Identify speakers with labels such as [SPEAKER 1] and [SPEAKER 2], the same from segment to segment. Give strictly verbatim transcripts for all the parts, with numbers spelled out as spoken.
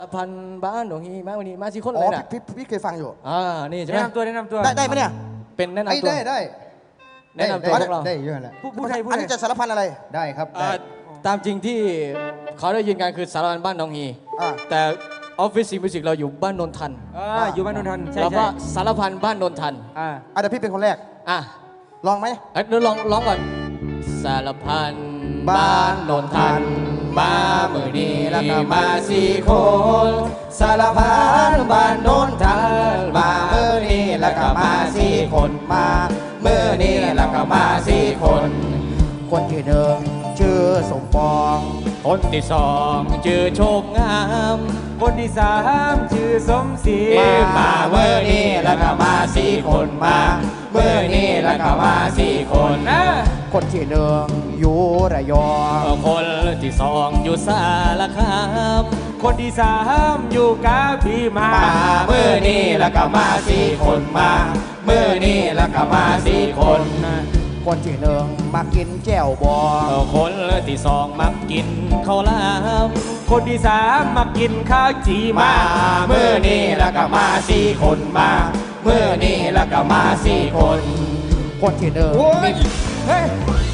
[SPEAKER 1] พันบ้านหนองฮีมาวันนี้มาสี่คน
[SPEAKER 2] อ๋
[SPEAKER 1] เล
[SPEAKER 2] อย
[SPEAKER 1] นะ
[SPEAKER 2] พี่พี่พี่เคยฟังอยู่
[SPEAKER 1] อ่านี่ใช่ไหม
[SPEAKER 3] แนะนำตัวแนะนำตัว
[SPEAKER 2] ได้ได้ไหมเนี่ย
[SPEAKER 1] เป็นแนะ
[SPEAKER 4] ไอ้
[SPEAKER 1] นำตัว
[SPEAKER 4] ได้ได้
[SPEAKER 1] แนะนำตัวพวกเรา
[SPEAKER 4] ได้เยอะแหละ
[SPEAKER 3] ผู้ผู้ไทยผู้
[SPEAKER 2] อัน
[SPEAKER 3] ไท
[SPEAKER 2] นี้
[SPEAKER 3] ย
[SPEAKER 2] จะสารพันอะไร
[SPEAKER 4] ได้ครับ
[SPEAKER 1] อ่า
[SPEAKER 4] ได้
[SPEAKER 1] ตามจริงที่เขาได้ยินกันคือสารพันบ้านหนองฮี
[SPEAKER 2] อ่า
[SPEAKER 1] แต่ออฟฟิศซีมิวสิกเราอยู่บ้านนนทัน
[SPEAKER 3] อ่าอยู่บ้านนนทันใช่
[SPEAKER 1] แล้วก็
[SPEAKER 3] ใช่
[SPEAKER 1] สารพันบ้านนนทัน
[SPEAKER 3] อ่า
[SPEAKER 2] อ่ะเดี๋ยวพี่เป็นคนแรก
[SPEAKER 1] อ่ะ
[SPEAKER 2] ลองไหม
[SPEAKER 1] เอ้ยเดี๋ยวลองร้องก่อนสารพันบ้านนนทันมาเมื่อนี้แล้วก็มาสี่คนสารพันบ้านนนทันมาเมื่อนี้แล้วก็มาสี่คนมาเมื่อนี้แล้วก็มาสี่คน
[SPEAKER 2] คนที่หนึ่งชื่อสมปอง
[SPEAKER 1] คนที่สองชื่อโชคงาม
[SPEAKER 3] คนที่สามชื่อสมศรี
[SPEAKER 1] มาเมื่อนี้แล้วก็มาสี่คนมาเมื่อนี้แล้วก็มาสี่คน
[SPEAKER 3] นะ
[SPEAKER 2] คนที่หนึ่งอยู่ระยอง
[SPEAKER 1] คนที่สองอยู่สารคาม
[SPEAKER 3] คนที่สามอยู่กาพี่มา
[SPEAKER 1] มาเมื่อนี้แล้วก็มาสี่คนมาเมื่อนี้แล้วก็มาสี่คน
[SPEAKER 2] คนที่หนึ่งมากินแจ่วบอง
[SPEAKER 1] คนที่สองมักกินข้าวหลาม
[SPEAKER 3] คนที่สามมากินข้าวจีมา
[SPEAKER 1] มาเมื่อนี้แล้วก็มาสี่คนมาเมื่อนี้แล้วก็มาสี่คน
[SPEAKER 2] คนที่หนึ่ง
[SPEAKER 4] โอ้ย
[SPEAKER 3] เฮ้ย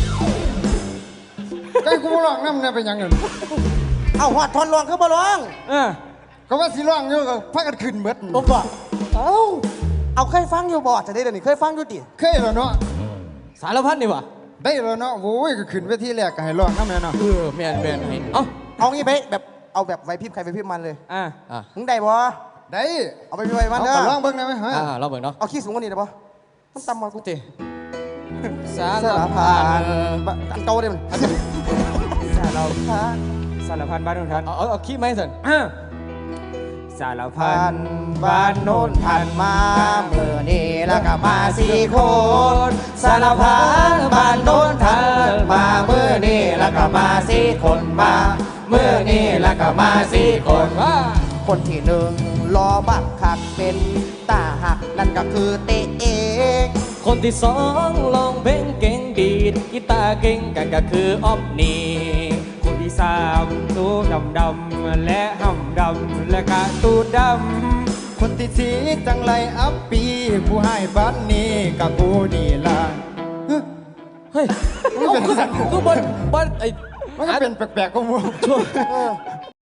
[SPEAKER 4] ใกล้กูร้องน้ำเนี่ยเป็นยังไง
[SPEAKER 2] เอาหัดทอนรองคือบ่ร้อง
[SPEAKER 3] เออ
[SPEAKER 4] ก็ว่าสิร้องอยู่ก็พักกันขึ้นเบิด
[SPEAKER 2] ผมบอกเอาเอาเคยฟังอยู่บ่จะได้เดี๋ยวนี้เคยฟังอยู่ดิ
[SPEAKER 4] เคยแล้วเนาะ
[SPEAKER 1] สารพัดนี่วะ
[SPEAKER 4] ได้แล้วเนาะโอ้ยก็ขึ้นเวทีแรกก็ให้ร้องน้ำเนี่ยเนาะ
[SPEAKER 1] เออแมนแมนให้เอ้า
[SPEAKER 2] เอางี้ไปแบบเอาแบบไวพริบใครไวพริบมันเลย
[SPEAKER 3] อ่า
[SPEAKER 1] อ่ะ
[SPEAKER 2] มึงได้บ่
[SPEAKER 4] ได้
[SPEAKER 2] เอาไปไวมัน
[SPEAKER 4] เอา
[SPEAKER 2] เด้
[SPEAKER 4] ก็
[SPEAKER 2] อ
[SPEAKER 4] ร้องเบิ่งได้ไหมฮะ
[SPEAKER 1] อ่าเราเบิ่งเนาะ
[SPEAKER 2] เอาขี้สูงกว่านี้ได้บ่มันต่ำมากู
[SPEAKER 1] เตสา
[SPEAKER 2] สาร ร
[SPEAKER 1] พั
[SPEAKER 2] พั
[SPEAKER 1] น
[SPEAKER 2] นบะอันเก่าเลยมันอันนี้
[SPEAKER 3] สารพันสารพันบ้านนนทัน
[SPEAKER 1] เอาเอาเอาขี้ไหมสัน
[SPEAKER 3] อ่าสารพั
[SPEAKER 2] พั
[SPEAKER 3] น
[SPEAKER 2] นบ้านโน้นทันมาเมื่อนี้แล้วก็มาสี่คน
[SPEAKER 1] สารพันบ้านโน้นทันมาเมื่อนี้แล้วก็มาสี่คนมาเมื่อนี้แล้วก็มาสี่คนว่า
[SPEAKER 2] คนที่หนึ่งรอบักคักเป็นตาหักนั่นก็คือเตะเอง
[SPEAKER 1] คนที่สองลองเพลงเก่งดีดกีตาร์เก่งกันก็คือออฟนี่
[SPEAKER 3] คนที่สามตูดำดำและห่ำดำและกะตูดำ
[SPEAKER 4] คนที่สีจังไรอัปปีผู้ให้บ้านนี้กับกูนี่ล่ะ
[SPEAKER 1] เฮ้ยเอาคือบนบนไอ้
[SPEAKER 4] มันก็เป็นแปลกๆก็มัว